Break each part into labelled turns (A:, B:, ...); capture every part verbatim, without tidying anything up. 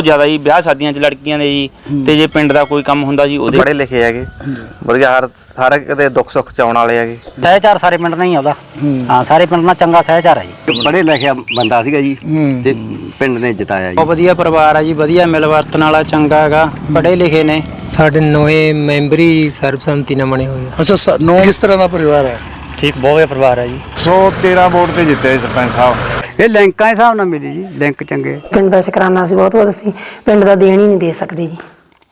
A: ਜ਼ਿਆਦਾ ਜੀ ਵਿਆਹ ਸ਼ਾਦੀਆਂ 'ਚ ਲੜਕੀਆਂ ਦੇ ਜੀ ਤੇ ਜੇ ਪਿੰਡ ਦਾ ਕੋਈ ਕੰਮ ਹੁੰਦਾ ਜੀ ਉਹਦੇ
B: ਪੜ੍ਹੇ ਲਿਖੇ ਹੈਗੇ ਵਧੀਆ ਹਰ ਹਰ ਕਦੇ ਦੁੱਖ ਸੁੱਖ ਚ ਆਉਣ ਵਾਲੇ ਹੈਗੇ
C: ਸਹਿਚਾਰ ਸਾਰੇ ਪਿੰਡ ਨਹੀਂ ਆਉਂਦਾ ਹਾਂ ਸਾਰੇ ਪਿੰਡ ਨਾਲ ਚੰਗਾ ਸਹਿਚਾਰ ਹੈ ਜੀ
D: ਪੜ੍ਹੇ ਲਿਖਿਆ ਬੰਦਾ ਸੀਗਾ ਜੀ ਤੇ ਪਿੰਡ ਨੇ ਜਿਤਾਇਆ ਜੀ
C: ਬਹੁਤ ਵਧੀਆ ਪਰਿਵਾਰ ਆ ਜੀ ਵਧੀਆ ਮਿਲ ਵਰਤਣ ਵਾਲਾ ਚੰਗਾ ਹੈਗਾ ਪੜ੍ਹੇ ਲਿਖੇ ਨੇ
E: ਸਾਡੇ ਨਵੇਂ ਮੈਂਬਰ ਹੀ ਸਰਬਸੰਮਤੀ ਨਾਲ ਬਣੇ ਹੋਏ ਆ।
F: ਅੱਛਾ ਨੌ ਕਿਸ ਤਰ੍ਹਾਂ ਦਾ ਪਰਿਵਾਰ ਹੈ?
C: ਠੀਕ ਬਹੁਤ ਵਧੀਆ ਪਰਿਵਾਰ ਹੈ ਜੀ
F: ਸੌ ਤੇਰਾਂ ਵੋਟ ਤੇ ਜਿੱਤੇ ਸਰਪੰਚ ਸਾਹਿਬ।
D: ਇਹ ਲਿੰਕਾਂ ਦੇ ਹਿਸਾਬ ਨਾਲ ਮਿਲੀ ਜੀ ਲਿੰਕ ਚੰਗੇ
G: ਪਿੰਡ ਦਾ ਸ਼ੁਕਰਾਨਾ ਸੀ ਬਹੁਤ ਬਹੁਤ ਅਸੀਂ ਪਿੰਡ ਦਾ ਦੇਣ ਹੀ ਨਹੀਂ ਦੇ ਸਕਦੇ ਜੀ।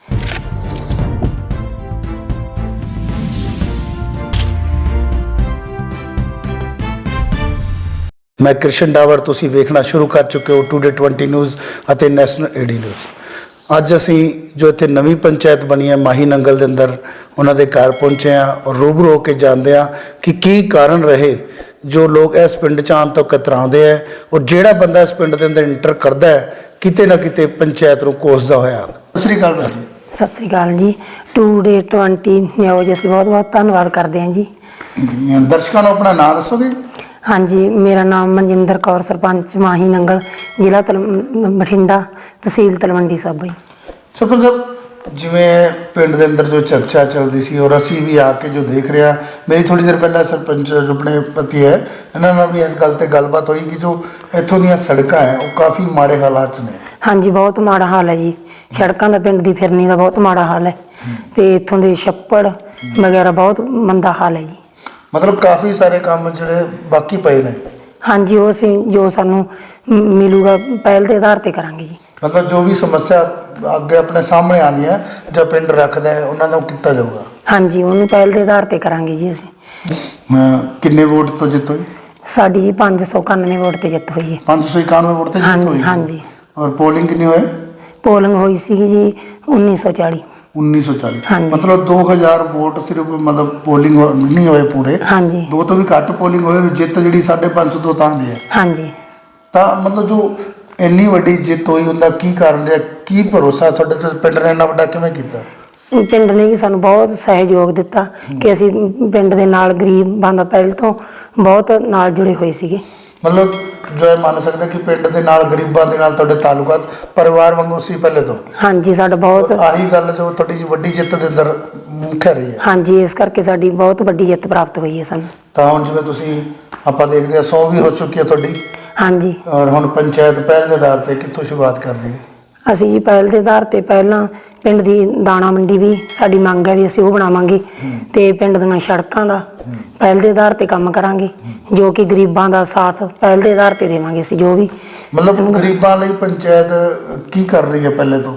F: ਮੈਂ ਕ੍ਰਿਸ਼ਨ ਡਾਵਰ, ਤੁਸੀਂ ਵੇਖਣਾ ਸ਼ੁਰੂ ਕਰ ਚੁੱਕੇ ਹੋ ਟੂਡੇ ਟਵੰਟੀ ਨਿਊਜ਼ ਅਤੇ ਨੈਸ਼ਨਲ ਏਡੀ ਨਿਊਜ਼। ਅੱਜ ਅਸੀਂ ਜੋ ਇੱਥੇ ਨਵੀਂ ਪੰਚਾਇਤ ਬਣੀ ਹੈ ਮਾਹੀ ਨੰਗਲ ਦੇ ਅੰਦਰ ਉਹਨਾਂ ਦੇ ਘਰ ਪਹੁੰਚੇ ਹਾਂ ਔਰ ਰੂਬਰੂ ਹੋ ਕੇ ਜਾਣਦੇ ਹਾਂ ਕਿ ਕੀ ਕਾਰਨ ਰਹੇ ਜੋ ਲੋਕ ਇਸ ਪਿੰਡ 'ਚ ਆਉਣ ਤੋਂ ਕਤਰਾਉਂਦੇ ਹੈ ਔਰ ਜਿਹੜਾ ਬੰਦਾ ਇਸ ਪਿੰਡ ਦੇ ਅੰਦਰ ਇੰਟਰ ਕਰਦਾ ਹੈ ਕਿਤੇ ਨਾ ਕਿਤੇ ਪੰਚਾਇਤ ਨੂੰ ਕੋਸਦਾ ਹੋਇਆ। ਸਤਿ ਸ਼੍ਰੀ ਅਕਾਲ ਜੀ।
G: ਸਤਿ ਸ੍ਰੀ ਅਕਾਲ ਜੀ। ਟੂਡੇ ਟਵੰਟੀ ਨਿਊਜ਼ ਅਸੀਂ ਬਹੁਤ ਬਹੁਤ ਧੰਨਵਾਦ ਕਰਦੇ ਹਾਂ ਜੀ।
F: ਦਰਸ਼ਕਾਂ ਨੂੰ ਆਪਣਾ ਨਾਮ ਦੱਸੋਗੇ?
G: ਹਾਂਜੀ, ਮੇਰਾ ਨਾਮ ਮਨਜਿੰਦਰ ਕੌਰ, ਸਰਪੰਚ ਮਾਹੀ ਨੰਗਲ, ਜ਼ਿਲ੍ਹਾ ਤਲ ਬਠਿੰਡਾ, ਤਹਿਸੀਲ ਤਲਵੰਡੀ ਸਾਬੋ ਜੀ।
F: ਸਰਪੰਚ ਸਾਹਿਬ, ਜਿਵੇਂ ਪਿੰਡ ਦੇ ਅੰਦਰ ਜੋ ਚਰਚਾ ਚੱਲਦੀ ਸੀ ਔਰ ਅਸੀਂ ਵੀ ਆ ਕੇ ਜੋ ਦੇਖ ਰਿਹਾ, ਮੇਰੀ ਥੋੜੀ ਦੇਰ ਪਹਿਲਾਂ ਸਰਪੰਚ ਜੋ ਆਪਣੇ ਪਤੀ ਹੈ ਇਹਨਾਂ ਨਾਲ ਵੀ ਇਸ ਗੱਲ ਤੇ ਗੱਲਬਾਤ ਹੋਈ ਕਿ ਜੋ ਇੱਥੋਂ ਦੀਆਂ ਸੜਕਾਂ ਹੈ ਉਹ ਕਾਫੀ ਮਾੜੇ ਹਾਲਾਤ 'ਚ ਨੇ।
G: ਹਾਂਜੀ, ਬਹੁਤ ਮਾੜਾ ਹਾਲ ਹੈ ਜੀ। ਸੜਕਾਂ ਦਾ ਪਿੰਡ ਦੀ ਫਿਰਨੀ ਦਾ ਬਹੁਤ ਮਾੜਾ ਹਾਲ ਹੈ ਤੇ ਇੱਥੋਂ ਦੇ ਛੱਪੜ ਵਗੈਰਾ ਬਹੁਤ ਮੰਦਾ ਹਾਲ ਹੈ ਜੀ।
F: ਮਤਲਬ ਕਾਫੀ ਸਾਰੇ ਕੰਮ ਜਿਹੜੇ ਬਾਕੀ ਪਏ ਨੇ।
G: ਹਾਂਜੀ, ਉਹ ਅਸੀਂ ਜੋ ਸਾਨੂੰ ਮਿਲੂਗਾ ਪਹਿਲ ਦੇ ਆਧਾਰ ਤੇ ਕਰਾਂਗੇ ਜੀ।
F: ਮਤਲਬ ਜੋ ਵੀ ਸਮੱਸਿਆ ਅੱਗੇ ਆਪਣੇ ਸਾਹਮਣੇ ਆਉਂਦੀ ਹੈ ਜਾਂ ਪਿੰਡ ਰੱਖਦਾ ਹੈ ਉਹਨਾਂ ਦਾ ਕੀਤਾ ਜਾਊਗਾ।
G: ਹਾਂਜੀ, ਉਹਨੂੰ ਪਹਿਲ ਦੇ ਆਧਾਰ ਤੇ ਕਰਾਂਗੇ ਜੀ ਅਸੀਂ।
F: ਕਿੰਨੇ ਵੋਟ ਤੋਂ ਜਿੱਤ ਹੋਈ?
G: ਸਾਡੀ ਜੀ ਪੰਜ ਸੌ ਇਕਾਨਵੇਂ ਵੋਟ ਤੇ ਜਿੱਤ ਹੋਈ ਹੈ।
F: ਪੰਜ ਸੌ ਇਕਾਨਵੇਂ ਵੋਟ ਤੇ ਜਿੱਤ ਹੋਈ?
G: ਹਾਂਜੀ।
F: ਔਰ ਪੋਲਿੰਗ ਕਿੰਨੀ ਹੋਈ?
G: ਪੋਲਿੰਗ ਹੋਈ ਸੀਗੀ ਜੀ ਉੱਨੀ ਸੌ ਚਾਲੀ।
F: ਉੱਨੀ ਸੌ ਚਾਲੀ। ਮਤਲਬ ਦੋ ਹਜ਼ਾਰ ਵੋਟ ਸਿਰਫ ਮਤਲਬ ਪੋਲਿੰਗ ਨਹੀਂ ਹੋਏ ਪੂਰੇ।
G: ਹਾਂਜੀ।
F: ਦੋ ਤੋਂ ਵੀ ਘੱਟ ਪੋਲਿੰਗ ਹੋਏ, ਜਿੱਤ ਜਿਹੜੀ ਸਾਢੇ ਪੰਜ ਸੌ ਤੋਂ ਤਾਂ ਦੀ ਹੈ।
G: ਹਾਂਜੀ।
F: ਤਾਂ ਮਤਲਬ ਜੋ ਇੰਨੀ ਵੱਡੀ ਜਿੱਤ ਹੋਈ ਉਹਦਾ ਕੀ ਕਾਰਨ ਰਿਹਾ? ਕੀ ਭਰੋਸਾ ਤੁਹਾਡੇ ਤੇ ਪਿੰਡ ਨੇ ਇੰਨਾ ਵੱਡਾ ਕਿਵੇਂ ਕੀਤਾ?
G: ਪਿੰਡ ਨੇ ਜੀ ਸਾਨੂੰ ਬਹੁਤ ਸਹਿਯੋਗ ਦਿੱਤਾ ਕਿ ਅਸੀਂ ਪਿੰਡ ਦੇ ਨਾਲ ਗਰੀਬਾਂ ਦਾ ਪਹਿਲ ਤੋਂ ਬਹੁਤ ਨਾਲ ਜੁੜੇ ਹੋਏ ਸੀਗੇ।
F: ਮਤਲਬ ਜੋ ਇਹ ਮੰਨ ਸਕਦਾ ਕਿ ਪਿੰਡ ਦੇ ਨਾਲ ਗਰੀਬਾਂ ਦੇ ਨਾਲ ਤੁਹਾਡੇ ਤਾਲੁਕਾਤ ਪਰਿਵਾਰ ਵਾਂਗੂ ਸੀ ਪਹਿਲੇ ਤੋਂ?
G: ਹਾਂਜੀ, ਸਾਡਾ ਬਹੁਤ
F: ਆਹੀ ਗੱਲ ਜੋ ਤੁਹਾਡੀ ਜੀ ਵੱਡੀ ਜਿੱਤ ਦੇ ਅੰਦਰ ਮੁੱਖ ਰਹੀ ਹੈ।
G: ਹਾਂਜੀ, ਇਸ ਕਰਕੇ ਸਾਡੀ ਬਹੁਤ ਵੱਡੀ ਜਿੱਤ ਪ੍ਰਾਪਤ ਹੋਈ ਹੈ ਸਾਨੂੰ।
F: ਤਾਂ ਹੁਣ ਜਿਵੇਂ ਤੁਸੀਂ ਆਪਾਂ ਦੇਖਦੇ ਹਾਂ ਸੌ ਵੀ ਹੋ ਚੁੱਕੀ ਹੈ ਤੁਹਾਡੀ।
G: ਹਾਂਜੀ।
F: ਔਰ ਹੁਣ ਪੰਚਾਇਤ ਪਹਿਲ ਦੇ ਆਧਾਰ ਤੇ ਕਿੱਥੋਂ ਸ਼ੁਰੂਆਤ ਕਰ ਰਹੀ ਹੈ?
G: ਅਸੀਂ ਜੀ ਪਹਿਲ ਦੇ ਆਧਾਰ ਤੇ ਪਹਿਲਾਂ ਪਿੰਡ ਦੀ ਦਾਣਾ ਮੰਡੀ ਵੀ ਸਾਡੀ ਮੰਗ ਹੈ ਵੀ ਅਸੀਂ ਉਹ ਬਣਾਵਾਂਗੇ ਤੇ ਪਿੰਡ ਦੀਆਂ ਸੜਕਾਂ ਦਾ ਪਹਿਲ ਦੇ ਆਧਾਰ ਤੇ ਕੰਮ ਕਰਾਂਗੇ ਜੋ ਕਿ ਗਰੀਬਾਂ ਦਾ ਸਾਥ ਪਹਿਲ ਦੇ ਆਧਾਰ ਤੇ ਦੇਵਾਂਗੇ ਅਸੀਂ ਜੋ ਵੀ।
F: ਮਤਲਬ ਗਰੀਬਾਂ ਲਈ ਪੰਚਾਇਤ ਕੀ ਕਰ ਰਹੀ ਹੈ ਪਹਿਲੇ ਤੋਂ?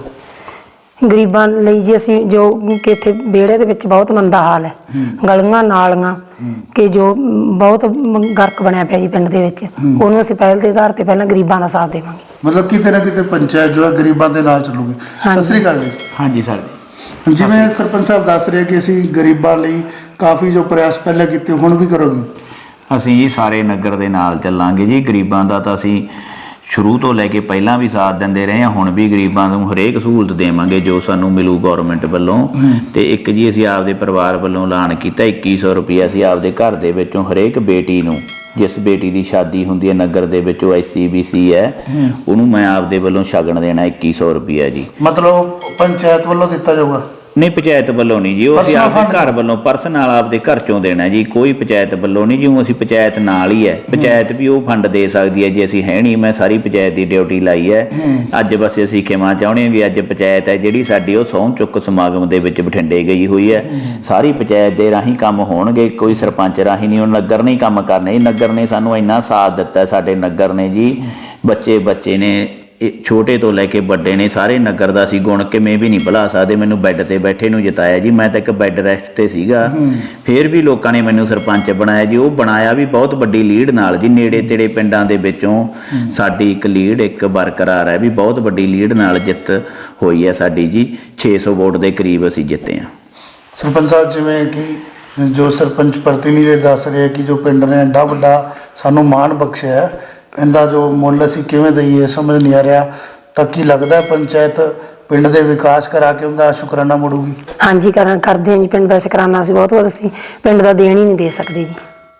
G: ਗਰੀਬਾਂ ਲਈ ਜੀ ਅਸੀਂ ਜੋ ਕਿ ਇੱਥੇ ਵਿਹੜੇ ਦੇ ਵਿੱਚ ਬਹੁਤ ਮੰਦਾ ਹਾਲ ਹੈ, ਗਲੀਆਂ ਨਾਲੀਆਂ ਕਿ ਜੋ ਬਹੁਤ ਗਰਕ ਬਣਿਆ ਪਿਆ ਜੀ ਪਿੰਡ ਦੇ ਵਿੱਚ, ਉਹਨੂੰ ਅਸੀਂ ਪਹਿਲ ਦੇ ਆਧਾਰ ਤੇ ਪਹਿਲਾਂ ਗਰੀਬਾਂ ਦਾ ਸਾਥ ਦੇਵਾਂਗੇ।
F: ਮਤਲਬ ਕਿਤੇ ਨਾ ਕਿਤੇ ਪੰਚਾਇਤ ਜੋ ਹੈ ਗਰੀਬਾਂ ਦੇ ਨਾਲ ਚੱਲੂਗੀ। ਸਤਿ ਸ੍ਰੀ ਅਕਾਲ ਜੀ।
A: ਹਾਂਜੀ ਸਰ।
F: ਜਿਵੇਂ ਸਰਪੰਚ ਸਾਹਿਬ ਦੱਸ ਰਹੇ ਕਿ ਅਸੀਂ ਗਰੀਬਾਂ ਲਈ ਕਾਫੀ ਜੋ ਪ੍ਰਯਾਸ ਪਹਿਲਾਂ ਕੀਤੇ ਹੁਣ ਵੀ ਕਰੋਗੇ?
H: ਅਸੀਂ ਜੀ ਸਾਰੇ ਨਗਰ ਦੇ ਨਾਲ ਚੱਲਾਂਗੇ ਜੀ। ਗਰੀਬਾਂ ਦਾ ਤਾਂ ਅਸੀਂ ਸ਼ੁਰੂ ਤੋਂ ਲੈ ਕੇ ਪਹਿਲਾਂ ਵੀ ਸਾਥ ਦਿੰਦੇ ਰਹੇ ਹਾਂ, ਹੁਣ ਵੀ ਗਰੀਬਾਂ ਨੂੰ ਹਰੇਕ ਸਹੂਲਤ ਦੇਵਾਂਗੇ ਜੋ ਸਾਨੂੰ ਮਿਲੂ ਗੌਰਮੈਂਟ ਵੱਲੋਂ। ਤੇ ਇੱਕ ਜੀ ਅਸੀਂ ਆਪਦੇ ਪਰਿਵਾਰ ਵੱਲੋਂ ਐਲਾਨ ਕੀਤਾ ਇੱਕੀ ਸੌ ਰੁਪਈਆ ਅਸੀਂ ਆਪਦੇ ਘਰ ਦੇ ਵਿੱਚੋਂ ਹਰੇਕ ਬੇਟੀ ਨੂੰ, ਜਿਸ ਬੇਟੀ ਦੀ ਸ਼ਾਦੀ ਹੁੰਦੀ ਹੈ ਨਗਰ ਦੇ ਵਿੱਚ ਉਹ ਐਸ ਸੀ ਬੀ ਸੀ ਹੈ, ਉਹਨੂੰ ਮੈਂ ਆਪਦੇ ਵੱਲੋਂ ਸ਼ਗਨ ਦੇਣਾ ਇੱਕੀ ਸੌ ਰੁਪਈਆ ਜੀ।
F: ਮਤਲਬ ਪੰਚਾਇਤ ਵੱਲੋਂ ਦਿੱਤਾ ਜਾਊਗਾ?
H: ਨਹੀਂ, ਪੰਚਾਇਤ ਵੱਲੋਂ ਨਹੀਂ ਜੀ, ਉਹ ਅਸੀਂ ਆਪਦੇ ਘਰ ਵੱਲੋਂ ਪਰਸਨਲ ਆਪਦੇ ਘਰ ਚੋਂ ਦੇਣਾ ਜੀ, ਕੋਈ ਪੰਚਾਇਤ ਵੱਲੋਂ ਨਹੀਂ। ਜਿਉਂ ਅਸੀਂ ਪੰਚਾਇਤ ਨਾਲ ਹੀ ਹੈ, ਪੰਚਾਇਤ ਵੀ ਉਹ ਫੰਡ ਦੇ ਸਕਦੀ ਹੈ ਜੇ ਅਸੀਂ ਹੈ ਨਹੀਂ। ਮੈਂ ਸਾਰੀ ਪੰਚਾਇਤ ਦੀ ਡਿਊਟੀ ਲਾਈ ਹੈ। ਅੱਜ ਬਸ ਅਸੀਂ ਖਿਮਾ ਚਾਹੁੰਦੇ ਹਾਂ ਵੀ ਅੱਜ ਪੰਚਾਇਤ ਹੈ ਜਿਹੜੀ ਸਾਡੀ ਉਹ ਸਹੁੰ ਚੁੱਕ ਸਮਾਗਮ ਦੇ ਵਿੱਚ ਬਠਿੰਡੇ ਗਈ ਹੋਈ ਹੈ। ਸਾਰੀ ਪੰਚਾਇਤ ਦੇ ਰਾਹੀਂ ਕੰਮ ਹੋਣਗੇ, ਕੋਈ ਸਰਪੰਚ ਰਾਹੀਂ ਨਹੀਂ। ਉਹ ਨਗਰ ਨੇ ਕੰਮ ਕਰਨੇ। ਨਗਰ ਨੇ ਸਾਨੂੰ ਇੰਨਾ ਸਾਥ ਦਿੱਤਾ, ਸਾਡੇ ਨਗਰ ਨੇ ਜੀ, ਬੱਚੇ ਬੱਚੇ ਨੇ, ਛੋਟੇ ਤੋਂ ਲੈ ਕੇ ਵੱਡੇ ਨੇ, ਸਾਰੇ ਨਗਰ ਦਾ ਅਸੀਂ ਗੁਣ ਕਿਵੇਂ ਵੀ ਨਹੀਂ ਭੁਲਾ ਸਕਦੇ। ਮੈਨੂੰ ਬੈੱਡ ਤੇ ਬੈਠੇ ਨੂੰ ਜਿਤਾਇਆ ਜੀ, ਮੈਂ ਤਾਂ ਇੱਕ ਬੈੱਡ ਰੈਸਟ ਤੇ ਸੀਗਾ, ਫਿਰ ਵੀ ਲੋਕਾਂ ਨੇ ਮੈਨੂੰ ਸਰਪੰਚ ਬਣਾਇਆ ਜੀ। ਉਹ ਬਣਾਇਆ ਵੀ ਬਹੁਤ ਵੱਡੀ ਲੀਡ ਨਾਲ ਜੀ, ਨੇੜੇ ਤੇੜੇ ਪਿੰਡਾਂ ਦੇ ਵਿੱਚੋਂ ਸਾਡੀ ਇੱਕ ਲੀਡ ਇੱਕ ਬਰਕਰਾਰ ਹੈ ਵੀ ਬਹੁਤ ਵੱਡੀ ਲੀਡ ਨਾਲ ਜਿੱਤ ਹੋਈ ਹੈ ਸਾਡੀ ਜੀ। ਛੇ ਸੌ ਵੋਟ ਦੇ ਕਰੀਬ ਅਸੀਂ ਜਿੱਤੇ ਹਾਂ।
F: ਸਰਪੰਚ ਸਾਹਿਬ, ਜਿਵੇਂ ਕਿ ਜੋ ਸਰਪੰਚ ਪ੍ਰਤੀਨਿਧੀ ਦੱਸ ਰਹੇ ਕਿ ਜੋ ਪਿੰਡ ਨੇ ਐਡਾ ਵੱਡਾ ਸਾਨੂੰ ਮਾਣ ਬਖਸ਼ਿਆ, ਇਹਦਾ ਜੋ ਮੁੱਲ ਅਸੀਂ ਕਿਵੇਂ ਦਈਏ ਸਮਝ ਨਹੀਂ ਆ ਰਿਹਾ, ਤਾਂ ਕੀ ਲੱਗਦਾ ਪੰਚਾਇਤ ਪਿੰਡ ਦੇ ਵਿਕਾਸ ਕਰਾ ਕੇ ਉਹਦਾ ਸ਼ੁਕਰਾਨਾ ਮੋੜੂਗੀ?
G: ਹਾਂਜੀ, ਕਰ ਕਰਦੇ ਹਾਂ ਜੀ। ਪਿੰਡ ਦਾ ਸ਼ੁਕਰਾਨਾ ਅਸੀਂ ਬਹੁਤ ਬਹੁਤ ਅਸੀਂ ਪਿੰਡ ਦਾ ਦੇਣ ਹੀ ਨਹੀਂ ਦੇ ਸਕਦੇ ਜੀ।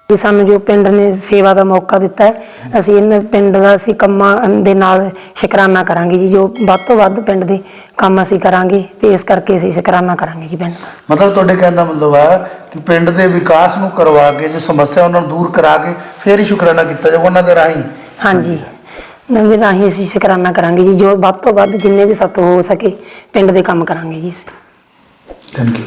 G: ਵੀ ਸਾਨੂੰ ਜੋ ਪਿੰਡ ਨੇ ਸੇਵਾ ਦਾ ਮੌਕਾ ਦਿੱਤਾ ਹੈ, ਅਸੀਂ ਇਹਨਾਂ ਪਿੰਡ ਦਾ ਅਸੀਂ ਕੰਮਾਂ ਦੇ ਨਾਲ ਸ਼ੁਕਰਾਨਾ ਕਰਾਂਗੇ ਜੀ। ਜੋ ਵੱਧ ਤੋਂ ਵੱਧ ਪਿੰਡ ਦੇ ਕੰਮ ਅਸੀਂ ਕਰਾਂਗੇ ਤੇ ਇਸ ਕਰਕੇ ਅਸੀਂ ਸ਼ੁਕਰਾਨਾ ਕਰਾਂਗੇ ਜੀ ਪਿੰਡ ਦਾ।
F: ਮਤਲਬ ਤੁਹਾਡੇ ਕਹਿਣ ਦਾ ਮਤਲਬ ਹੈ ਕਿ ਪਿੰਡ ਦੇ ਵਿਕਾਸ ਨੂੰ ਕਰਵਾ ਕੇ ਜੋ ਸਮੱਸਿਆ ਉਹਨਾਂ ਨੂੰ ਦੂਰ ਕਰਾ ਕੇ ਫਿਰ ਹੀ ਸ਼ੁਕਰਾਨਾ ਕੀਤਾ ਜਾਵੇ ਉਹਨਾਂ ਦੇ ਰਾਹੀਂ।
G: ਹਾਂਜੀ, ਉਹਨਾਂ ਦੇ ਰਾਹੀਂ ਅਸੀਂ ਸ਼ੁਕਰਾਨਾ ਕਰਾਂਗੇ ਜੀ। ਜੋ ਵੱਧ ਤੋਂ ਵੱਧ ਜਿੰਨੇ ਵੀ ਸਾਤੋਂ ਹੋ ਸਕੇ ਪਿੰਡ ਦੇ ਕੰਮ ਕਰਾਂਗੇ ਜੀ ਅਸੀਂ।
F: Thank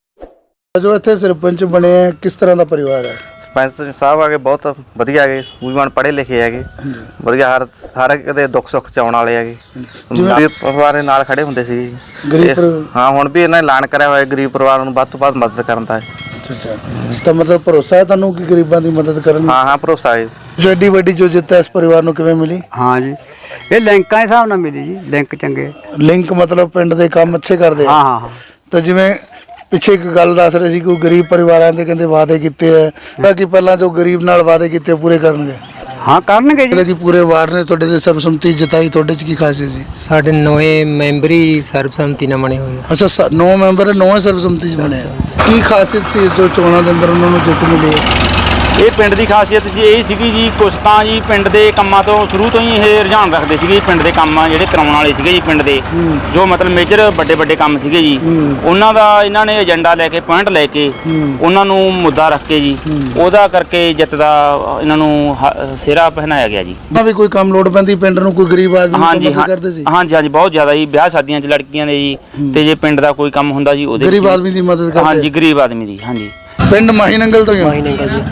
F: you. ਜੋ ਇੱਥੇ ਸਰਪੰਚ ਬਣੇ ਆ, ਕਿਸ ਤਰ੍ਹਾਂ ਦਾ ਪਰਿਵਾਰ ਹੈ?
B: ਸਰਪੰਚ ਸਾਹਿਬ ਆਗੇ ਬਹੁਤ ਵਧੀਆ ਹੈਗੇ, ਸੂਝਵਾਨ ਪੜ੍ਹੇ ਲਿਖੇ ਹੈਗੇ, ਵਧੀਆ ਹਰ ਹਰ ਇੱਕ ਦੇ ਦੁੱਖ ਸੁੱਖ ਚ ਆਉਣ ਵਾਲੇ ਹੈਗੇ। ਗਰੀਬ ਪਰਿਵਾਰ ਦੇ ਨਾਲ ਖੜੇ ਹੁੰਦੇ ਸੀ।
F: ਗਰੀਬ ਪਰਿਵਾਰ-
B: ਹਾਂ, ਹੁਣ ਵੀ ਇਹਨਾਂ ਨੇ ਐਲਾਨ ਕਰਿਆ ਹੋਇਆ ਗਰੀਬ ਪਰਿਵਾਰ ਨੂੰ ਵੱਧ ਤੋਂ ਵੱਧ ਮਦਦ ਕਰਨ ਦਾ।
F: ਅੱਛਾ ਅੱਛਾ, ਤਾਂ ਮਤਲਬ ਭਰੋਸਾ ਹੈ ਤੁਹਾਨੂੰ ਕਿ ਗਰੀਬਾਂ ਦੀ ਮਦਦ ਕਰਨ?
B: ਹਾਂ ਹਾਂ, ਭਰੋਸਾ ਹੈ।
F: ਜੋ ਐਡੀ ਵੱਡੀ ਜੋ ਜਿੱਤ ਹੈ ਇਸ ਪਰਿਵਾਰ ਨੂੰ ਕਿਵੇਂ ਮਿਲੀ?
I: ਹਾਂ ਜੀ, ਇਹ ਲਿੰਕਾਂ ਦੇ ਹਿਸਾਬ ਨਾਲ ਮਿਲੀ ਜੀ, ਲਿੰਕ ਚੰਗੇ।
F: ਲਿੰਕ ਮਤਲਬ ਪਿੰਡ ਦੇ ਕੰਮ ਅੱਛੇ ਕਰਦੇ ਆ।
I: ਹਾਂ ਹਾਂ ਹਾਂ।
F: ਤਾਂ ਜਿਵੇਂ ਪਿੱਛੇ ਇੱਕ ਗੱਲ ਦੱਸ ਰਹੇ ਸੀ ਕਿ ਗਰੀਬ ਪਰਿਵਾਰਾਂ ਦੇ ਕਹਿੰਦੇ ਵਾਅਦੇ ਕੀਤੇ ਹੈ ਤਾਂ ਕਿ ਪਹਿਲਾਂ ਜੋ ਗਰੀਬ ਨਾਲ ਵਾਅਦੇ ਕੀਤੇ ਪੂਰੇ ਕਰਨਗੇ।
I: ਹਾਂ ਕਰਨਗੇ ਜੀ।
F: ਕਿ ਪੂਰੇ ਵਾਰਡ ਨੇ ਤੁਹਾਡੇ ਤੇ ਸਰਬਸੰਮਤੀ ਜਿਤਾਈ, ਤੁਹਾਡੇ ਚ ਕੀ ਖਾਸੀਅਤ ਸੀ?
E: ਸਾਡੇ ਨਵੇਂ ਮੈਂਬਰੀ ਸਰਬਸੰਮਤੀ ਨਾਲ ਬਣੇ ਹੋਏ ਆ।
F: ਅੱਛਾ, ਨੌ ਮੈਂਬਰ ਨੌ ਸਰਬਸੰਮਤੀ ਚ ਬਣੇ ਆ। ਕੀ ਖਾਸੀਅਤ ਸੀ ਜੋ ਚੋਣਾਂ ਦੇ ਅੰਦਰ ਉਹਨਾਂ ਨੂੰ ਜਿੱਤ ਮਿਲੀ ਹੈ?
A: ਇਹ ਪਿੰਡ ਦੀ ਖਾਸੀਅਤ ਜੀ ਇਹ ਸੀਗੀ ਜੀ, ਕੁਛ ਤਾਂ ਜੀ ਪਿੰਡ ਦੇ ਕੰਮਾਂ ਤੋਂ ਸ਼ੁਰੂ ਤੋਂ ਹੀ ਇਹ ਰੁਝਾਨ ਰੱਖਦੇ ਸੀਗੇ। ਪਿੰਡ ਦੇ ਕੰਮ ਜਿਹੜੇ ਕਰਾਉਣ ਵਾਲੇ ਸੀਗੇ ਜੀ, ਪਿੰਡ ਦੇ ਜੋ ਮਤਲਬ ਮੇਜਰ ਵੱਡੇ ਵੱਡੇ ਕੰਮ ਸੀਗੇ ਜੀ, ਉਹਨਾਂ ਦਾ ਇਹਨਾਂ ਨੇ ਏਜੰਡਾ ਲੈ ਕੇ, ਪੁਆਇੰਟ ਲੈ ਕੇ, ਉਹਨਾਂ ਨੂੰ ਮੁੱਦਾ ਰੱਖ ਕੇ ਜੀ, ਉਹਦਾ ਕਰਕੇ ਜਿੱਤ ਦਾ ਇਹਨਾਂ ਨੂੰ ਹ- ਸਿਹਰਾ ਪਹਿਨਾਇਆ ਗਿਆ ਜੀ।
F: ਤਾਂ ਵੀ ਕੋਈ ਕੰਮ ਲੋੜ ਪੈਂਦੀ ਪਿੰਡ ਨੂੰ, ਕੋਈ ਗਰੀਬ ਆਦਮੀ ਨੂੰ
A: ਹਾਂਜੀ
F: ਮਦਦ ਕਰਦੇ ਸੀ?
A: ਹਾਂਜੀ ਹਾਂਜੀ, ਬਹੁਤ ਜ਼ਿਆਦਾ ਜੀ। ਵਿਆਹ ਸ਼ਾਦੀਆਂ 'ਚ ਲੜਕੀਆਂ ਦੇ ਜੀ, ਤੇ ਜੇ ਪਿੰਡ ਦਾ ਕੋਈ ਕੰਮ ਹੁੰਦਾ ਜੀ ਉਹਦੇ
F: ਗਰੀਬ
A: ਵਿੱਚ-
F: ਆਦਮੀ ਦੀ ਮਦਦ ਕਰਦੇ?
A: ਹਾਂਜੀ, ਗਰੀਬ ਆਦਮੀ ਦੀ। ਹਾਂਜੀ,
F: ਪਿੰਡ ਮਾਹੀ ਨੰਗਲ ਤੋਂ ਹੀ ਹੋ?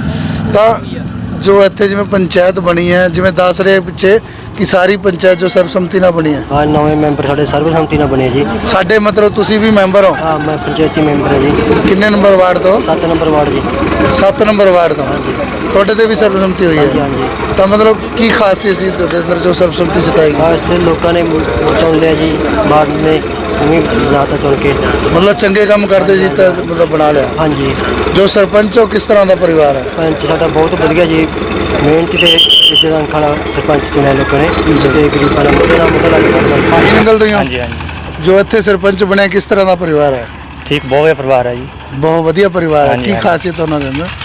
F: ਤਾਂ ਜੋ ਇੱਥੇ ਜਿਵੇਂ ਪੰਚਾਇਤ ਬਣੀ ਹੈ, ਜਿਵੇਂ ਦੱਸ ਰਹੇ ਪਿੱਛੇ ਕਿ ਸਾਰੀ ਪੰਚਾਇਤ ਜੋ ਸਰਬਸੰਮਤੀ ਨਾਲ ਬਣੀ ਹੈ।
C: ਹਾਂ, ਨਵੇਂ ਮੈਂਬਰ ਸਾਡੇ ਸਰਬਸੰਮਤੀ ਨਾਲ ਬਣੇ ਜੀ।
F: ਸਾਡੇ ਮਤਲਬ ਤੁਸੀਂ ਵੀ ਮੈਂਬਰ ਹੋ?
C: ਹਾਂ, ਮੈਂ ਪੰਚਾਇਤੀ ਮੈਂਬਰ ਹਾਂ ਜੀ।
F: ਕਿੰਨੇ ਨੰਬਰ ਵਾਰਡ ਤੋਂ?
C: ਸੱਤ ਨੰਬਰ ਵਾਰਡ ਜੀ।
F: ਸੱਤ ਨੰਬਰ ਵਾਰਡ ਤੋਂ। ਤੁਹਾਡੇ ਤੇ ਵੀ ਸਰਬਸੰਮਤੀ ਹੋਈ ਹੈ?
C: ਹਾਂਜੀ।
F: ਤਾਂ ਮਤਲਬ ਕੀ ਖਾਸੀਅਤ ਸੀ ਤੁਹਾਡੇ ਅੰਦਰ ਜੋ ਸਰਬਸੰਮਤੀ ਜਿਤਾਈ ਗਈ?
C: ਬਸ ਲੋਕਾਂ ਨੇ ਚੁਣ ਲਿਆ ਜੀ, ਵਾਰਡ ਨੇ ਉਵੇਂ ਬਣਾਤਾ ਚੁਣ ਕੇ।
F: ਮਤਲਬ ਚੰਗੇ ਕੰਮ ਕਰਦੇ ਸੀ ਤਾਂ ਮਤਲਬ ਬਣਾ ਲਿਆ।
C: ਹਾਂਜੀ।
F: ਜੋ ਸਰਪੰਚ ਉਹ ਕਿਸ ਤਰ੍ਹਾਂ ਦਾ ਪਰਿਵਾਰ ਹੈ?
C: ਪੰਚ ਸਾਡਾ ਬਹੁਤ ਵਧੀਆ ਜੀ, ਮਿਹਨਤੀ ਤੇ ਇੱਜ਼ਤ ਅੰਖ ਵਾਲਾ ਸਰਪੰਚ ਚੁਣਿਆ ਲੋਕਾਂ ਨੇ, ਤੇ ਗਰੀਬਾਂ ਦਾ ਮੁੱਦੇ ਨਾਲ ਮੁੱਦਾ ਲੱਗਦਾ।
F: ਮਾਹੀ ਨੰਗਲ ਤੋਂ ਹੀ ਹੋ?
C: ਹਾਂਜੀ ਹਾਂਜੀ।
F: ਜੋ ਇੱਥੇ ਸਰਪੰਚ ਬਣਿਆ ਕਿਸ ਤਰ੍ਹਾਂ ਦਾ ਪਰਿਵਾਰ ਹੈ?
C: ਠੀਕ, ਬਹੁਤ ਵਧੀਆ ਪਰਿਵਾਰ ਹੈ ਜੀ।
F: ਬਹੁਤ ਵਧੀਆ ਪਰਿਵਾਰ ਹੈ।
C: ਹਾਂਜੀ,
F: ਕੀ
C: ਹਾਂਜੀ।
F: ਖਾਸੀਅਤ ਉਹਨਾਂ ਦੇ ਅੰਦਰ?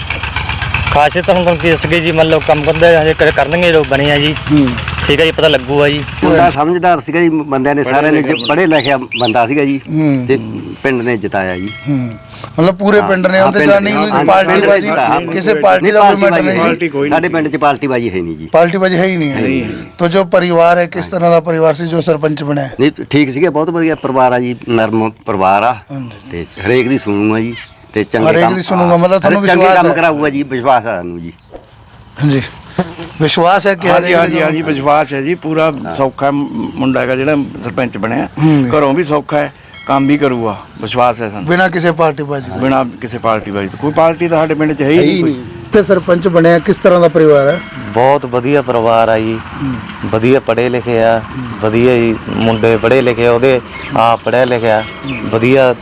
C: ਖਾਸੀਅਤ ਹੁਣ ਤੁਹਾਨੂੰ ਕੀ ਦੱਸਗੇ ਜੀ, ਮੰਨ ਲਓ ਕੰਮ ਕਰਦੇ ਹਜੇ ਕਰ- ਕਰਨਗੇ ਲੋਕ ਬਣੇ ਆ ਜੀ। ਠੀਕ ਹੈ ਜੀ, ਪਤਾ ਲੱਗੂਗਾ ਜੀ।
D: ਮੁੰਡਾ ਸਮਝਦਾਰ ਸੀਗਾ ਜੀ, ਬੰਦਿਆਂ ਨੇ ਸਾਰਿਆਂ ਨੇ ਪੜ੍ਹੇ ਲਿਖਿਆ ਬੰਦਾ ਸੀਗਾ ਜੀ, ਤੇ ਪਿੰਡ ਨੇ ਜਿਤਾਇਆ ਜੀ।
F: ਹੂੰ, ਮਤਲਬ ਪੂਰੇ ਪਿੰਡ ਨੇ
D: ਹਾਂ,
F: ਉਹਦੇ
D: ਪਿੰਡ
F: ਜਾਨੀ
D: ਨੇ,
F: ਕੋਈ
D: ਹਾਂ,
F: ਪਾਰਟੀ
D: ਪਿੰਡ
F: ਬਾਜੀ,
D: ਨੇ,
F: ਕਿਸੇ ਪਾਰਟੀ ਦਾ ਕੋਈ ਮੈਟਰ ਨਹੀਂ ਸੀ?
D: ਸਾਡੇ ਪਿੰਡ 'ਚ ਪਾਰਟੀ ਬਾਜੀ ਹੈ ਨਹੀਂ ਜੀ।
F: ਪਾर्टी बाजी है ही नहीं है। तो जो परिवार है किस तरह का परिवार से जो सरपंच बने?
D: ਨਹੀਂ ਠੀਕ ਸੀਗਾ, ਬਹੁਤ ਵਧੀਆ ਪਰਿਵਾਰ ਆ ਜੀ, ਨਰਮ ਪਰਿਵਾਰ ਆ, ਤੇ ਹਰੇਕ ਦੀ ਸੁਣੂਗਾ ਜੀ, ਤੇ ਚੰਗੇ
F: ਹਰੇਕ
D: ਕੰਮ
F: ਦੀ ਸੁਣੂਗਾ, ਮਤਲਬ ਤੁਹਾਨੂੰ
D: ਚੰਗੇ
F: ਵਿਸ਼ਵਾਸ
D: ਕੰਮ
F: ਹੈ?
D: ਕਰਾਊਗਾ ਜੀ, ਵਿਸ਼ਵਾਸ ਆ ਸਾਨੂੰ ਜੀ।
F: हाँ जी, ਵਿਸ਼ਵਾਸ ਹੈ ਕਿ
J: ਹਾਂਜੀ ਹਾਂਜੀ ਹਾਂਜੀ ਵਿਸ਼ਵਾਸ ਹੈ ਜੀ, ਪੂਰਾ ਸੌਖਾ ਮੁੰਡਾ ਹੈਗਾ ਜਿਹੜਾ ਸਰਪੰਚ ਬਣਿਆ, ਘਰੋਂ ਵੀ ਸੌਖਾ ਹੈ, ਕੰਮ ਵੀ ਕਰੂਗਾ, ਵਿਸ਼ਵਾਸ ਹੈ ਸਾਨੂੰ।
F: ਬਿਨਾਂ ਕਿਸੇ ਪਾਰਟੀ ਬਾਜੀ ਦੇ?
J: ਬਿਨਾਂ ਕਿਸੇ ਪਾਰਟੀ ਬਾਜੀ ਤੋਂ। ਕੋਈ ਪਾਰਟੀ ਤਾਂ ਸਾਡੇ ਪਿੰਡ 'ਚ ਹੈ ਹੀ ਨਹੀਂ ਕੋਈ।
F: ਤੇ ਸਰਪੰਚ ਬਣਿਆ ਕਿਸ ਤਰ੍ਹਾਂ ਦਾ ਪਰਿਵਾਰ ਹੈ?
B: ਬਹੁਤ ਵਧੀਆ ਪਰਿਵਾਰ ਆ ਜੀ, ਵਧੀਆ ਪੜ੍ਹੇ ਲਿਖੇ ਆ, ਵਧੀਆ ਜੀ ਮੁੰਡੇ ਪੜ੍ਹੇ ਲਿਖੇ, ਉਹਦੇ ਆਪ ਪੜ੍ਹਿਆ ਲਿਖਿਆ, ਵਧੀਆ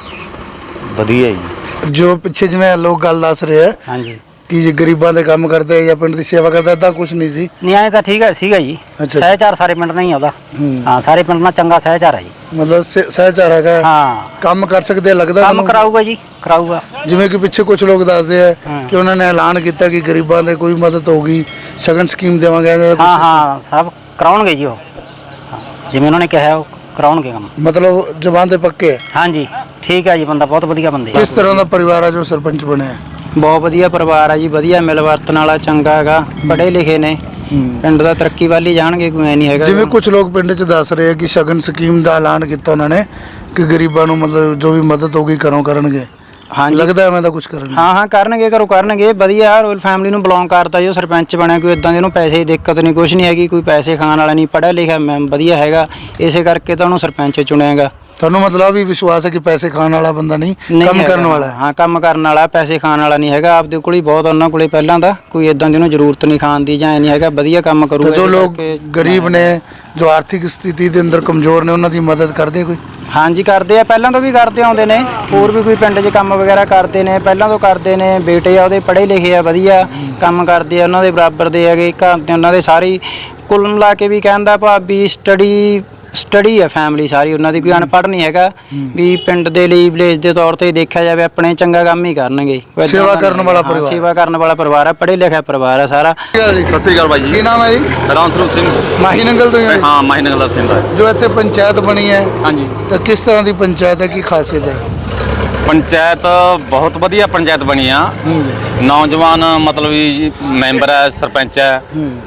B: ਵਧੀਆ ਜੀ।
F: ਜੋ ਪਿੱਛੇ ਜਿਵੇਂ ਲੋਕ ਗੱਲ ਦੱਸ ਰਹੇ ਹੈ
C: ਹਾਂਜੀ।
F: ਕਿ ਜੇ ਗਰੀਬਾਂ ਦੇ ਕੰਮ ਕਰਦੇ ਜਾਂ ਪਿੰਡ ਦੀ ਸੇਵਾ ਕਰਦਾ, ਏਦਾਂ ਕੁਝ ਨਹੀਂ ਸੀ?
C: ਨਹੀਂ, ਐਂ ਤਾਂ ਠੀਕ ਹੈ ਸੀਗਾ ਜੀ।
F: ਅੱਛਾ।
C: ਸਹਿਚਾਰ ਸਾਰੇ ਪਿੰਡ ਨਾਲ ਹੀ ਆਉਂਦਾ। ਹਾਂ, ਸਾਰੇ ਪਿੰਡ ਨਾਲ ਚੰਗਾ ਸਹਿਚਾਰ ਹੈ ਜੀ।
F: ਮਤਲਬ ਸ- ਸਹਿਚਾਰ ਹੈਗਾ?
C: ਹਾਂ,
F: ਕੰਮ ਕਰ ਸਕਦੇ ਆ ਲੱਗਦਾ
C: ਕੰਮ
F: ਤੁਹਾਨੂੰ?
C: ਕਰਾਊਗਾ ਜੀ, ਕਰਾਊਗਾ।
F: ਜਿਵੇਂ ਕਿ ਪਿੱਛੇ ਕੁਝ ਲੋਕ ਦੱਸਦੇ ਆ
C: ਹਾਂ।
F: ਕਿ ਉਹਨਾਂ ਨੇ ਐਲਾਨ ਕੀਤਾ ਕਿ ਗਰੀਬਾਂ ਦੇ ਕੋਈ ਮਦਦ ਹੋਊਗੀ, ਸ਼ਗਨ ਸਕੀਮ ਦੇਵਾਂਗੇ ਜਾਂ ਕੁਛ
C: ਹਾਂ
F: ਇਸ-
C: ਹਾਂ, ਸਭ ਕਰਾਉਣਗੇ ਜੀ ਉਹ। ਹਾਂ, ਜਿਵੇਂ ਉਹਨਾਂ ਨੇ ਕਿਹਾ ਉਹ ਕਰਾਉਣਗੇ ਕੰਮ।
F: ਮਤਲਬ ਜ਼ਬਾਨ ਦੇ ਪੱਕੇ ਹੈ?
C: ਹਾਂਜੀ, ਠੀਕ ਹੈ ਜੀ, ਬੰਦਾ ਬਹੁਤ ਵਧੀਆ ਬੰਦੇ।
F: ਕਿਸ ਤਰ੍ਹਾਂ ਦਾ ਪਰਿਵਾਰ ਹੈ ਜੋ ਸਰਪੰਚ ਬਣਿਆ?
C: ਬਹੁਤ ਵਧੀਆ ਪਰਿਵਾਰ ਆ ਜੀ, ਵਧੀਆ ਮਿਲ ਵਰਤਣ ਵਾਲਾ, ਚੰਗਾ ਹੈਗਾ, ਪੜ੍ਹੇ ਲਿਖੇ ਨੇ, ਪਿੰਡ ਦਾ ਤਰੱਕੀ ਵੱਲ ਹੀ ਜਾਣਗੇ, ਕੋਈ ਐ ਨਹੀਂ ਹੈਗਾ।
F: ਜਿਵੇਂ ਕੁਝ ਲੋਕ ਪਿੰਡ 'ਚ ਦੱਸ ਰਹੇ ਆ ਕਿ ਸ਼ਗਨ ਸਕੀਮ ਦਾ ਐਲਾਨ ਕੀਤਾ ਉਹਨਾਂ ਨੇ ਕਿ ਗਰੀਬਾਂ ਨੂੰ ਮਤਲਬ ਜੋ ਵੀ ਮਦਦ ਹੋਗੀ ਘਰੋਂ ਕਰਨਗੇ।
C: ਹਾਂਜੀ,
F: ਲੱਗਦਾ ਐਵੇਂ ਦਾ ਕੁਝ ਕਰਨਗੇ?
C: ਹਾਂ ਹਾਂ, ਕਰਨਗੇ, ਘਰੋਂ ਕਰਨਗੇ। ਵਧੀਆ ਰੋਇਲ ਫੈਮਿਲੀ ਨੂੰ ਬਿਲੋਂਗ ਕਰਦਾ ਜੋ ਸਰਪੰਚ ਬਣਿਆ, ਕੋਈ ਇਦਾਂ ਦੇ ਉਹਨੂੰ ਪੈਸੇ ਦੀ ਦਿੱਕਤ ਨਹੀਂ, ਕੁਝ ਨਹੀਂ ਹੈਗੀ, ਕੋਈ ਪੈਸੇ ਖਾਣ ਵਾਲਾ ਨਹੀਂ, ਪੜ੍ਹਿਆ ਲਿਖਿਆ ਮੈਂ ਵਧੀਆ ਹੈਗਾ, ਇਸੇ ਕਰਕੇ ਤਾਂ ਉਹਨੂੰ ਸਰਪੰਚ ਚੁਣਿਆਗਾ।
F: ਤੁਹਾਨੂੰ ਮਤਲਬ ਵੀ ਵਿਸ਼ਵਾਸ ਹੈ ਕਿ ਪੈਸੇ ਖਾਣ ਵਾਲਾ ਬੰਦਾ ਨਹੀਂ, ਕੰਮ
C: ਹੈਗਾ।
F: ਕਰਨ ਵਾਲਾ ਹੈ?
C: ਹਾਂ, ਕੰਮ ਕਰਨ ਵਾਲਾ, ਪੈਸੇ ਖਾਣ ਵਾਲਾ ਨਹੀਂ ਹੈਗਾ। ਆਪਦੇ ਕੋਲ ਹੀ ਬਹੁਤ ਉਹਨਾਂ ਕੋਲੇ ਪਹਿਲਾਂ ਦਾ, ਕੋਈ ਇਦਾਂ ਦੀ ਉਹਨੂੰ ਜ਼ਰੂਰਤ ਨਹੀਂ ਖਾਣ ਦੀ ਜਾਂ ਐ ਨਹੀਂ ਹੈਗਾ, ਵਧੀਆ ਕੰਮ ਕਰੂਗਾ।
F: ਤੇ ਜੋ
C: ਇਸ
F: ਲੋਕ
C: ਕਰਕੇ
F: ਗਰੀਬ ਨੇ, ਜੋ ਆਰਥਿਕ ਸਥਿਤੀ ਦੇ ਅੰਦਰ ਕਮਜ਼ੋਰ ਨੇ, ਉਹਨਾਂ ਦੀ ਮਦਦ ਕਰਦੇ ਕੋਈ?
C: ਹਾਂਜੀ, ਕਰਦੇ ਆ, ਪਹਿਲਾਂ ਤੋਂ ਵੀ ਕਰਦੇ ਆਉਂਦੇ ਨੇ, ਹੋਰ ਵੀ ਕੋਈ ਪਿੰਡ 'ਚ ਕੰਮ ਵਗੈਰਾ ਕਰਦੇ ਨੇ, ਪਹਿਲਾਂ ਤੋਂ ਕਰਦੇ ਨੇ। ਬੇਟੇ ਆ ਉਹਦੇ ਪੜ੍ਹੇ ਲਿਖੇ ਆ, ਵਧੀਆ ਕੰਮ ਕਰਦੇ ਆ, ਉਹਨਾਂ ਦੇ ਬਰਾਬਰ ਦੇ ਹੈਗੇ, ਘਰ ਦੇ ਉਹਨਾਂ ਦੇ ਸਾਰੀ ਕੁੱਲ ਮਿਲਾ ਕੇ ਵੀ ਕਹਿੰਦਾ ਭਾਬੀ ਸਟੱਡੀ ਸਟੱਡੀ ਹੈ ਫੈਮਿਲੀ ਸਾਰੀ ਉਹਨਾਂ ਦੀ, ਕੋਈ ਅਨਪੜ੍ਹ ਨਹੀਂ ਹੈਗਾ ਵੀ ਪਿੰਡ ਦੇ ਲਈ ਵਿਲੇਜ ਦੇ ਤੌਰ ਤੇ ਦੇਖਿਆ ਜਾਵੇ ਆਪਣੇ ਚੰਗਾ ਕੰਮ ਹੀ ਕਰਨਗੇ। ਕੋਈ ਏਦਾਂ
F: ਸੇਵਾ
C: ਦਾ
F: ਕਰਨ
C: ਨਹੀਂ
F: ਵਾਲਾ
C: ਹੈਗਾ। ਹਾਂ,
F: ਪਰਿਵਾਰ।
C: ਸੇਵਾ ਕਰਨ ਵਾਲਾ ਪਰਿਵਾਰ ਹੈ, ਪੜ੍ਹੇ ਲਿਖਿਆ ਪਰਿਵਾਰ ਹੈ ਸਾਰਾ।
F: ਸਤਿ
A: ਸ੍ਰੀ ਅਕਾਲ ਬਾਈ ਜੀ।
F: ਕੀ ਨਾਮ ਹੈ ਜੀ?
A: ਰਾਮ ਸਰੂਪ ਸਿੰਘ।
F: ਮਾਹੀ ਨੰਗਲ ਤੋਂ ਹੀ ਹੋ ਜੀ?
A: ਹਾਂ ਮਾਹੀ ਨਗਰ ਸਿੰਘ ਦਾ।
F: ਜੋ ਇੱਥੇ ਪੰਚਾਇਤ ਬਣੀ ਹੈ
A: ਹਾਂਜੀ
F: ਤਾਂ ਕਿਸ ਤਰ੍ਹਾਂ ਦੀ ਪੰਚਾਇਤ ਹੈ, ਕੀ ਖਾਸੀਅਤ ਹੈ?
A: ਪੰਚਾਇਤ ਬਹੁਤ ਵਧੀਆ ਪੰਚਾਇਤ ਬਣੀ ਆ। ਨੌਜਵਾਨ ਮਤਲਬ ਵੀ ਮੈਂਬਰ ਹੈ, ਸਰਪੰਚ ਹੈ,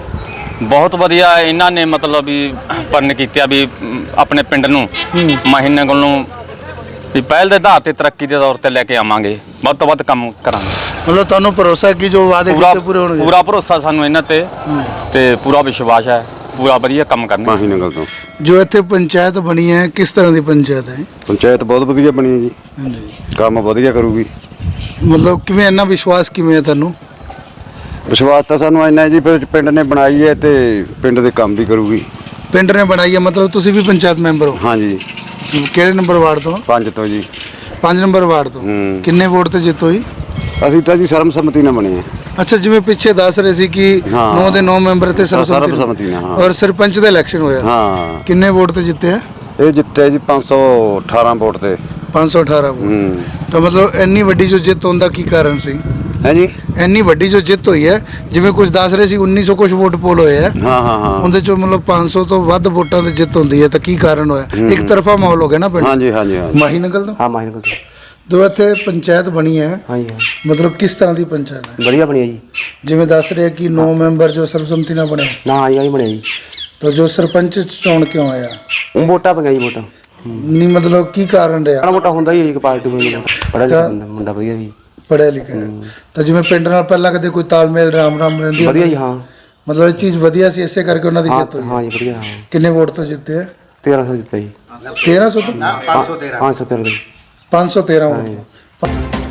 A: ਬਹੁਤ ਵਧੀਆ ਇਹਨਾਂ ਨੇ ਮਤਲਬ ਵੀ ਪਰਨ ਕੀਤਾ ਵੀ ਆਪਣੇ ਪਿੰਡ ਨੂੰ ਮਾਹੀ ਨਗਰ ਨੂੰ ਵੀ ਪਹਿਲ ਦੇ ਆਧਾਰ ਤੇ ਤਰੱਕੀ ਦੇ ਤੌਰ ਤੇ ਲੈ ਕੇ ਆਵਾਂਗੇ, ਵੱਧ ਤੋਂ ਵੱਧ ਕੰਮ ਕਰਾਂਗੇ।
F: ਮਤਲਬ ਤੁਹਾਨੂੰ ਭਰੋਸਾ ਹੈ ਕਿ ਜੋ ਵਾਅਦੇ
A: ਪੂਰਾ
F: ਕੀਤੇ ਪੂਰੇ ਹੋਣਗੇ?
A: ਪੂਰਾ ਭਰੋਸਾ ਸਾਨੂੰ ਇਹਨਾਂ ਤੇ ਤੇ ਪੂਰਾ ਵਿਸ਼ਵਾਸ ਹੈ, ਪੂਰਾ ਵਧੀਆ ਕੰਮ ਕਰਨਾ।
K: ਮਾਹੀ ਨਗਰ ਤੋਂ
F: ਜੋ ਇੱਥੇ ਪੰਚਾਇਤ ਬਣੀ ਹੈ ਕਿਸ ਤਰ੍ਹਾਂ ਦੀ ਪੰਚਾਇਤ ਹੈ?
K: ਪੰਚਾਇਤ ਬਹੁਤ ਵਧੀਆ ਬਣੀ ਹੈ ਜੀ,
F: ਹਾਂਜੀ।
K: ਕੰਮ ਵਧੀਆ ਕਰੂਗੀ।
F: ਮਤਲਬ ਕਿਵੇਂ, ਇੰਨਾ ਵਿਸ਼ਵਾਸ ਕਿਵੇਂ ਹੈ ਤੁਹਾਨੂੰ?
K: ਵਿਸ਼ਵਾਸ ਤਾਂ ਸਾਨੂੰ ਇੰਨਾ ਹੈ ਜੀ, ਫਿਰ ਪਿੰਡ ਨੇ ਬਣਾਈ ਹੈ ਤੇ ਪਿੰਡ ਦੇ ਕੰਮ ਵੀ ਕਰੂਗੀ।
F: ਪਿੰਡ ਨੇ ਬਣਾਈ ਹੈ, ਮਤਲਬ ਤੁਸੀਂ ਵੀ ਪੰਚਾਇਤ ਮੈਂਬਰ ਹੋ?
K: ਹਾਂਜੀ,
F: ਕਿਹੜੇ ਨੰਬਰ ਵਾਰਡ ਤੋਂ?
K: ਪੰਜ ਤੋਂ ਜੀ।
F: ਪੰਜ ਨੰਬਰ ਵਾਰਡ ਤੋਂ।
K: ਹੂੰ।
F: ਕਿੰਨੇ ਵੋਟ ਤੇ ਜਿੱਤ ਹੋਈ?
K: ਅਸੀਂ ਤਾਂ ਜੀ ਸਰਬਸੰਮਤੀ ਨਾਲ ਬਣੇ ਆ।
F: ਅੱਛਾ, ਜਿਵੇਂ ਪਿੱਛੇ ਦੱਸ ਰਹੇ ਸੀ ਕਿ
K: ਹਾਂ।
F: ਨੌ ਦੇ ਨੌ ਮੈਂਬਰ ਤੇ ਸਰਬਸੰਮਤੀ
K: ਸਰਬਸੰਮਤੀ ਨਾਲ, ਹਾਂ।
F: ਔਰ ਸਰਪੰਚ ਦਾ ਇਲੈਕਸ਼ਨ ਹੋਇਆ।
K: ਹਾਂ,
F: ਕਿੰਨੇ ਵੋਟ ਤੇ ਜਿੱਤੇ ਆ?
K: ਇਹ ਜਿੱਤੇ ਜੀ ਪੰਜ ਸੌ ਅਠਾਰਾਂ ਵੋਟ ਤੇ।
F: ਪੰਜ ਸੌ ਅਠਾਰਾਂ ਵੋਟ।
K: ਹੂੰ।
F: ਤਾਂ ਮਤਲਬ ਇੰਨੀ ਵੱਡੀ ਜੋ ਜਿੱਤ ਹੋਣ ਦਾ ਕੀ ਕਾਰਨ ਸੀ?
K: ਹੈ ਜੀ।
F: ਇੰਨੀ ਵੱਡੀ ਜੋ ਜਿੱਤ ਹੋਈ ਹੈ, ਜਿਵੇਂ ਕੁਝ ਦੱਸ ਰਹੇ ਸੀ ਉੱਨੀ ਸੌ ਕੁਝ ਵੋਟ ਪੋਲ ਹੋਏ ਆ,
K: ਹਾਂ ਹਾਂ ਹਾਂ।
F: ਉਹਦੇ ਚੋਂ ਮਤਲਬ ਪੰਜ ਸੌ ਤੋਂ ਵੱਧ ਵੋਟਾਂ ਤੇ ਜਿੱਤ ਹੁੰਦੀ ਹੈ, ਤਾਂ ਕੀ ਕਾਰਨ ਹੋਇਆ? ਇੱਕ ਤਰਫਾ ਮਾਹੌਲ ਹੋ ਗਿਆ ਨਾ ਪਿੰਡ?
K: ਹਾਂਜੀ ਹਾਂਜੀ ਹਾਂਜੀ।
F: ਮਾਹੀ ਨਗਲ ਤੋਂ?
I: ਹਾਂ ਮਾਹੀ ਨਗਰ
F: ਜੋ ਇੱਥੇ ਪੰਚਾਇਤ ਬਣੀ ਹੈ,
I: ਹਾਂਜੀ ਹਾਂ
F: ਮਤਲਬ ਕਿਸ ਤਰ੍ਹਾਂ ਦੀ ਪੰਚਾਇਤ ਹੈ?
I: ਵਧੀਆ ਬਣਿਆ ਜੀ।
F: ਜਿਵੇਂ ਦੱਸ ਰਹੇ ਕਿ ਨੌ ਮੈਂਬਰ ਜੋ ਸਰਬਸੰਮਤੀ ਨਾਲ ਬਣੇ,
I: ਨਾ ਹਾਂ ਜੀ ਬਣਿਆ ਜੀ।
F: ਤਾਂ ਜੋ ਸਰਪੰਚ ਚੋਣ ਕਿਉਂ ਆਇਆ?
I: ਉਹ ਵੋਟਾਂ ਪਈਆਂ ਜੀ, ਵੋਟਾਂ
F: ਨਹੀਂ ਮਤਲਬ ਕੀ ਕਾਰਨ ਰਿਹਾ?
I: ਮਾੜਾ ਮੋਟਾ ਹੁੰਦਾ ਹੀ ਹੈ ਜੀ, ਇੱਕ ਪਾਰਟੀ ਨੂੰ ਪੜ੍ਹਿਆ ਲਿਖਿਆ
F: ਤਾਂ-
I: ਮੁੰਡਾ ਮੁੰਡਾ ਵਧੀਆ ਜੀ,
F: ਪੜ੍ਹਿਆ ਲਿਖਿਆ ਹੈ। ਤਾਂ ਜਿਵੇਂ ਪਿੰਡ ਨਾਲ ਪਹਿਲਾਂ ਕਦੇ ਕੋਈ ਤਾਲਮੇਲ ਰਾਮ ਰਾਮ ਰਹਿੰਦੀ
I: ਵਧੀਆ ਜੀ। ਹਾਂ
F: ਮਤਲਬ ਇਹ ਚੀਜ਼ ਵਧੀਆ ਸੀ, ਇਸੇ ਕਰਕੇ ਉਹਨਾਂ ਦੀ
I: ਹਾਂ
F: ਜਿੱਤ ਹੋਈ
I: ਹਾਂ
F: ਹੈ।
I: ਜੀ ਵਧੀਆ। ਹਾਂ
F: ਕਿੰਨੇ ਵੋਟ ਤੋਂ ਜਿੱਤੇ ਆ?
I: ਤੇਰਾਂ ਸੌ ਜਿੱਤਾ ਜੀ।
F: ਤੇਰਾਂ ਸੌ ਤੋਂ?
I: ਪੰਜ ਸੌ ਤੇਰਾਂ
F: ਪੰਜ ਸੌ ਤੇਰਾਂ ਵੋਟ ਤੋਂ।